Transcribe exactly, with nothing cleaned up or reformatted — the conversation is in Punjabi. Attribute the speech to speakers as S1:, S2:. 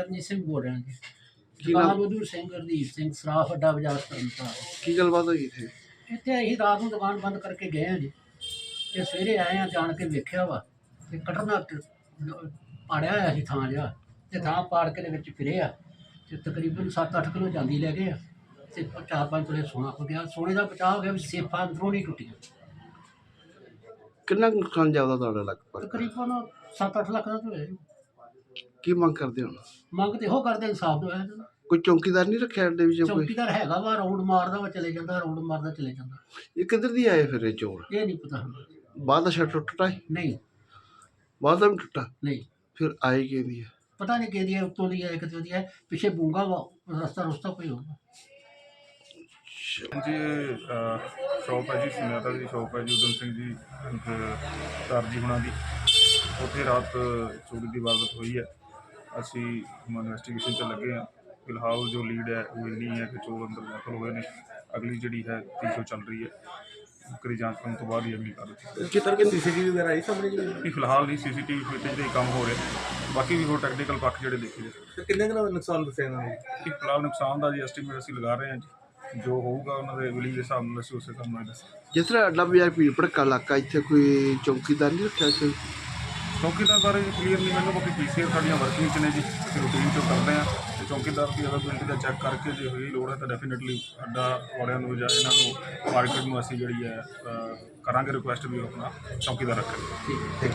S1: ਚਰਨਜੀਤ ਸਿੰਘ ਬੋਲ ਰਿਹਾ ਜੀ।
S2: ਕੀ
S1: ਦੁਕਾਨ
S2: ਨਾਮ?
S1: ਉਧਰ ਸਿੰਘ ਗੁਰਦੀਪ ਸਿੰਘ ਸਰਾਫ ਅੱਡਾ ਬਾਜ਼ਾਰ ਤਰਨਤਾਰਨ।
S2: ਕੀ ਗੱਲਬਾਤ ਹੋਈ ਇੱਥੇ?
S1: ਇੱਥੇ ਅਸੀਂ ਰਾਤ ਨੂੰ ਦੁਕਾਨ ਬੰਦ ਕਰਕੇ ਗਏ ਹਾਂ ਜੀ, ਤੇ ਸਵੇਰੇ ਆਏ ਹਾਂ, ਜਾਣ ਕੇ ਵੇਖਿਆ ਵਾ ਤੇ ਕਟਰਨਾ ਪਾੜਿਆ ਹੋਇਆ ਸੀ ਥਾਂ ਜਿਹਾ, ਤੇ ਥਾਂ ਪਾੜ ਕੇ ਦੇ ਵਿੱਚ ਫਿਰੇ ਆ, ਤੇ ਤਕਰੀਬਨ ਸੱਤ ਅੱਠ ਕਿਲੋ ਜਾਂਦੀ ਲੈ ਗਏ ਆ, ਤੇ ਚਾਰ ਪੰਜ ਤੋਲੇ ਸੋਨਾ ਹੋ ਗਿਆ। ਸੋਨੇ ਦਾ ਬਚਾਅ ਹੋ ਗਿਆ, ਵੀ ਸੇਫਾਂ ਅੰਦਰੋਂ ਨਹੀਂ ਟੁੱਟੀਆਂ।
S2: ਕਿੰਨਾ ਕੁ ਨੁਕਸਾਨ ਜਾਪਦਾ ਤੁਹਾਡਾ ਲਗਭਗ?
S1: ਤਕਰੀਬਨ ਸੱਤ ਅੱਠ ਲੱਖ ਦਾ ਤਾਂ ਹੋਇਆ ਜੀ।
S2: ਕੀ ਮੰਗ ਕਰਦੇ ਹੋ?
S1: ਮੰਗ ਤੇ ਇਹੋ ਕਰਦੇ ਇਨਸਾਫ ਦਵਾਇਆ ਜਾਂਦਾ।
S2: ਕੋਈ ਚੌਕੀਦਾਰ ਨਹੀਂ ਰੱਖਿਆ ਅੱਡੇ ਵਿੱਚ ਕੋਈ?
S1: ਚੌਕੀਦਾਰ ਹੈਗਾ ਵਾ, ਰਾਊਂਡ ਮਾਰਦਾ ਵਾ, ਚਲੇ ਜਾਂਦਾ, ਰਾਊਂਡ ਮਾਰਦਾ ਚਲੇ ਜਾਂਦਾ।
S2: ਇਹ ਕਿੱਧਰ ਦੀ ਆਏ ਫਿਰ ਇਹ ਚੋਰ?
S1: ਇਹ ਨਹੀਂ ਪਤਾ ਹੁੰਦਾ।
S2: ਬਾਹਰ ਦਾ ਸ਼ਟਰ ਟੁੱਟਾ ਹੈ?
S1: ਨਹੀਂ
S2: ਬਾਹਰ ਦਾ ਵੀ ਟੁੱਟਾ?
S1: ਨਹੀਂ
S2: ਫਿਰ ਆਏ ਕਿਹਦੀ ਹੈ?
S1: ਪਤਾ ਨਹੀਂ ਕਿਹਦੀ ਹੈ, ਉੱਤੋਂ ਦੀ ਹੈ, ਕਿਤੇ ਦੀ ਹੈ, ਪਿੱਛੇ ਬੂੰਗਾ ਵਾ, ਰਸਤਾ ਰੁਸਤਾ ਕੋਈ ਹੋਊਗਾ।
S3: ਜੀ ਸ਼ੌਪ ਹੈ ਜੀ, ਸੁਨਿਆਤਾ ਦੀ ਸ਼ੌਪ ਹੈ ਜੀ, ਉਦਮ ਸਿੰਘ ਜੀ ਸਰਜੀ ਹੁਣਾਂ ਦੀ। ਉੱਥੇ ਰਾਤ ਚੋਰੀ ਦੀ ਵਾਰਦਾਤ ਹੋਈ ਹੈ। ਅਸੀਂ ਇਨਵੈਸਟੀਗੇਸ਼ਨ 'ਚ ਲੱਗੇ ਹਾਂ। ਫਿਲਹਾਲ ਜੋ ਲੀਡ ਹੈ ਉਹ ਇੰਨੀ ਹੈ ਕਿ ਚੋਰ ਅੰਦਰ ਦਾਖਲ ਹੋਏ ਨੇ। ਅਗਲੀ ਜਿਹੜੀ ਹੈ ਤੀਸੋ ਚੱਲ ਰਹੀ ਹੈ, ਕਰੀ ਜਾਂਚ ਕਰਨ ਤੋਂ ਬਾਅਦ ਹੀ ਅਗਲੀ ਕਾਰਵਾਈ।
S2: ਕਿਤਰ ਕੇ ਸੀਸੀਟੀਵੀ ਵਗੈਰਾ ਆਈ ਸਾਹਮਣੇ?
S3: ਨਹੀਂ, ਫਿਲਹਾਲ ਨਹੀਂ, ਸੀ ਸੀ ਟੀ ਵੀ ਫੁਟੇਜ ਦੇ ਕੰਮ ਹੋ ਰਹੇ, ਬਾਕੀ ਵੀ ਹੋਰ ਟੈਕਨੀਕਲ ਪੱਖ ਜਿਹੜੇ ਦੇਖੇ ਜਾ।
S2: ਕਿੰਨੇ ਕੁ ਦਾ ਨੁਕਸਾਨ ਦੱਸਿਆ ਇਹਨਾਂ ਨੇ?
S3: ਫਿਲਹਾਲ ਨੁਕਸਾਨ ਦਾ ਜੀ ਐਸਟੀਮੇਟ ਅਸੀਂ ਲਗਾ ਰਹੇ ਹਾਂ ਜੀ, ਜੋ ਹੋਊਗਾ ਉਹਨਾਂ ਦੇ ਵਿਲੀ ਦੇ ਹਿਸਾਬ ਨਾਲ ਅਸੀਂ ਉਸੇ ਹਿਸਾਬ ਨਾਲ ਦੱਸਾਂਗੇ।
S2: ਜਿਸ ਤਰ੍ਹਾਂ ਅੱਡਾ ਬਾਜ਼ਾਰ ਭੀੜ ਭੜਕਾ ਇਲਾਕਾ, ਇੱਥੇ ਕੋਈ ਚੌਕੀਦਾਰ ਨਹੀਂ ਰੱਖਿਆ ਕੋਈ?
S3: ਚੌਕੀਦਾਰ ਬਾਰੇ ਕਲੀਅਰ ਨਹੀਂ ਮੈਨੂੰ, ਬਾਕੀ ਪੀ ਸੀ ਆਰ ਸਾਡੀਆਂ ਵਰਕਿੰਗ 'ਚ ਨੇ ਜੀ, ਅਸੀਂ ਰੂਟੀਨ 'ਚੋਂ ਕਰਦੇ ਹਾਂ। ਅਤੇ ਚੌਕੀਦਾਰ ਦੀ ਅਵੇਲੇਬਿਲਿਟੀ ਦਾ ਚੈੱਕ ਕਰਕੇ ਜੇ ਹੋਈ ਲੋੜ ਹੈ ਤਾਂ ਡੈਫੀਨੇਟਲੀ ਅੱਡਾ ਵਾਲਿਆਂ ਨੂੰ ਜਾਂ ਇਹਨਾਂ ਨੂੰ ਮਾਰਕੀਟ ਨੂੰ ਅਸੀਂ ਜਿਹੜੀ ਹੈ ਕਰਾਂਗੇ ਰਿਕੁਐਸਟ ਵੀ ਆਪਣਾ ਚੌਕੀਦਾਰ ਰੱਖਣ।